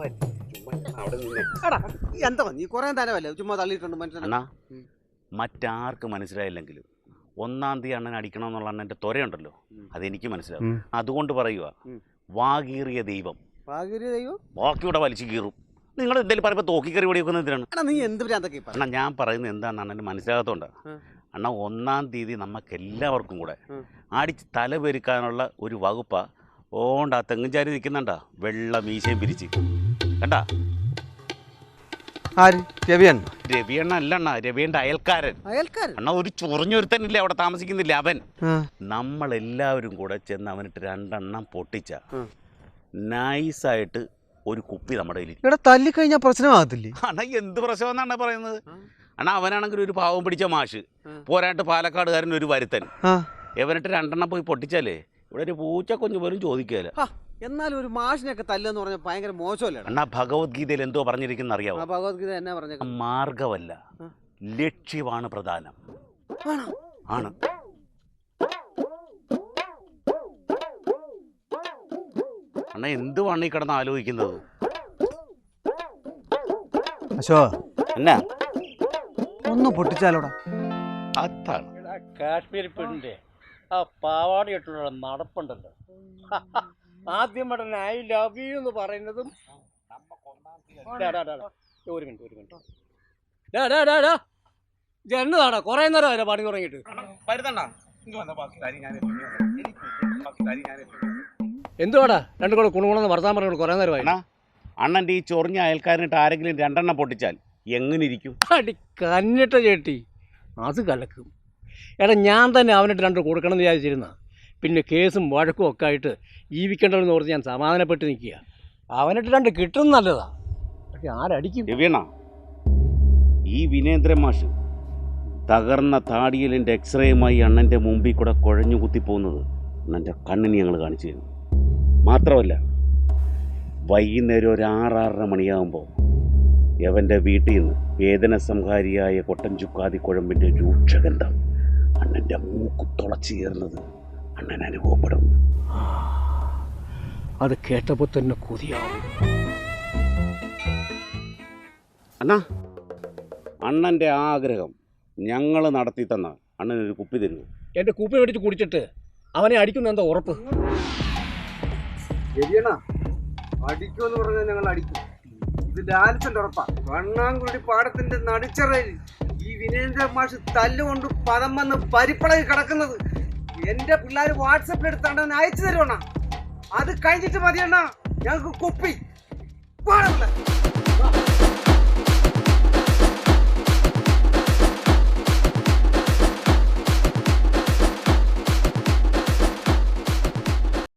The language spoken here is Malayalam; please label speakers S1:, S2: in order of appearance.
S1: എന്താ നീ കുറെ തരവല്ലേ ചുമ്മാ തള്ളിയിട്ടുണ്ട് മനുഷ്യനാ.
S2: മറ്റാർക്ക് മനസ്സിലായില്ലെങ്കിലും 1-ാം തീയതി അണ്ണൻ അടിക്കണം എന്നുള്ള അണ്ണൻ്റെ ത്വരയുണ്ടല്ലോ, അതെനിക്ക് മനസ്സിലാവും. അതുകൊണ്ട് പറയുക, വാകീറിയ ദൈവം ബാക്കിയുടെ വലിച്ചു കീറും. നിങ്ങൾ എന്തെങ്കിലും പറയുമ്പോൾ തോക്കിക്കറി ഓടി വെക്കുന്നതിനാണ്.
S1: നീ എന്ത്
S2: അണ്ണാ ഞാൻ പറയുന്നത് എന്താണെന്ന് അണ്ണന് മനസ്സിലാകാത്തതുകൊണ്ടാണ്. അണ്ണാ 1-ാം തീയതി നമുക്ക് എല്ലാവർക്കും കൂടെ അടിച്ച് തലപെരുക്കാനുള്ള ഒരു വകുപ്പ ഓണ്ടാ തെങ്ങുംചാരി നിൽക്കുന്നുണ്ടാ, വെള്ള മീശയും പിരിച്ച് കണ്ടാ. രവിയണ്ണ അല്ല അണ്ണാ, രവിയന്റെ അയൽക്കാരൻ അണ്ണാ. ഒരു ചൊറിഞ്ഞൊരുത്തനില്ലേ അവിടെ താമസിക്കുന്നില്ല, അവൻ. നമ്മളെല്ലാവരും കൂടെ ചെന്ന് അവനിട്ട് 2 എണ്ണം പൊട്ടിച്ച നൈസായിട്ട് ഒരു കുപ്പി നമ്മുടെ കയ്യിൽ
S1: തല്ലിക്കഴിഞ്ഞാൽ പ്രശ്നമാകത്തില്ലേ?
S2: അണ്ണാ എന്ത് പ്രശ്നമെന്നാണ് പറയുന്നത്? അണ്ണാ അവനാണെങ്കിൽ ഒരു പാവം പിടിച്ച മാഷ്, പോരാട്ട് പാലക്കാടുകാരൻ ഒരു വരുത്തൻ. ഇവനിട്ട് 2 എണ്ണം പോയി പൊട്ടിച്ചാലേ ഇവിടെ ഒരു പൂച്ച കുഞ്ഞു പോലും ചോദിക്കുകയില്ല.
S1: എന്നാലും ഒരു മാഷിനെയൊക്കെ തല്ലെന്ന് പറഞ്ഞാൽ ഭയങ്കര മോശമല്ലേ?
S2: അണ്ണാ ഭഗവത്ഗീതയിൽ എന്തോ പറഞ്ഞിരിക്കുന്ന അറിയാമോ?
S1: ഭഗവത്ഗീത എന്നാ പറഞ്ഞ?
S2: മാർഗമല്ല, ലക്ഷ്യമാണ് പ്രധാനം. ആണ്. അണ്ണാ എന്തുവാണ് ഈ കിടന്ന് ആലോചിക്കുന്നത്? എന്നാ
S1: ഒന്ന് പൊട്ടിച്ചാലോടാ.
S2: അതാണ്
S3: കാശ്മീർ പെണ്ണിന്റെ ആ പാവാട ഇട്ടുള്ള നടപ്പുണ്ടല്ലോ, ആദ്യം ഐ ലവ് യു എന്ന് പറയുന്നതും. ഒരു മിനിറ്റ് ഇത് എന്നതാടാ, കുറെ നേരം പണി തുടങ്ങിയിട്ട്. എന്തുവാടാ രണ്ടു കൂടെ കുണുകുണെന്ന് വർത്താൻ പറഞ്ഞു കുറെ നേരമായി.
S2: അണ്ണൻ്റെ ഈ ചൊറിഞ്ഞ അയൽക്കാരനിട്ട് ആരെങ്കിലും 2 എണ്ണം പൊട്ടിച്ചാൽ എങ്ങനെ ഇരിക്കും?
S3: അടി കന്നിട്ട ചേട്ടി, അത് കലക്കും. എടാ ഞാൻ തന്നെ അവനിട്ട് 2 കൊടുക്കണം എന്ന് വിചാരിച്ചിരുന്ന, പിന്നെ കേസും വഴക്കും ഒക്കെ ആയിട്ട് ജീവിക്കേണ്ടതെന്ന് ഓർത്ത് ഞാൻ സമാധാനപ്പെട്ട് നിൽക്കുക. അവനിട്ട് 2 കിട്ടും നല്ലതാ, പക്ഷെ ആരടിക്കും?
S2: രവിയണ്ണ, ഈ വിനേന്ദ്രൻ മാഷ് തകർന്ന താടിയലിൻ്റെ എക്സ്റേയുമായി അണ്ണൻ്റെ മുമ്പിൽ കൂടെ കുഴഞ്ഞു കുത്തിപ്പോകുന്നത് അണ്ണൻ്റെ കണ്ണിന് ഞങ്ങൾ കാണിച്ചു തരും. മാത്രമല്ല വൈകുന്നേരം ഒരു 6-6:30 മണിയാകുമ്പോൾ യവൻ്റെ വീട്ടിൽ നിന്ന് വേദന സംഹാരിയായ കൊട്ടൻ ചുക്കാതി കുഴമ്പിൻ്റെ രൂക്ഷഗന്ധം അണ്ണൻ്റെ മൂക്ക് തുളച്ചു കയറുന്നത് അണ്ണൻ അനുഭവപ്പെടും.
S3: അത് കേട്ടപ്പോൾ തന്നെ കൊതിയാവും.
S2: അണ്ണാ, അണ്ണൻ്റെ ആഗ്രഹം ഞങ്ങൾ നടത്തി തന്ന അണ്ണനൊരു കുപ്പി തരുമോ?
S3: എൻ്റെ കുപ്പി മേടിച്ച് കുടിച്ചിട്ട് അവനെ അടിക്കുന്ന എന്താ ഉറപ്പ്?
S1: അടിക്കുമെന്ന് പറഞ്ഞാൽ ഞങ്ങൾ അടിക്കും. ഇത് ലാലിച്ചന്റെ ഉറപ്പാ. വണ്ണാങ്കുടി പാടത്തിന്റെ നടുച്ചറയിൽ ഈ വിനേന്ദ്ര മാഷ് തല്ലുകൊണ്ട് പദം വന്ന് പരിപ്പളകി കിടക്കുന്നത് എന്റെ പിള്ളേർ വാട്സപ്പിൽ എടുത്താണ്ട് അയച്ചു തരുവണ്ണ. അത് കഴിഞ്ഞിട്ട് മതിയണ്ണ ഞങ്ങൾക്ക് കുപ്പി.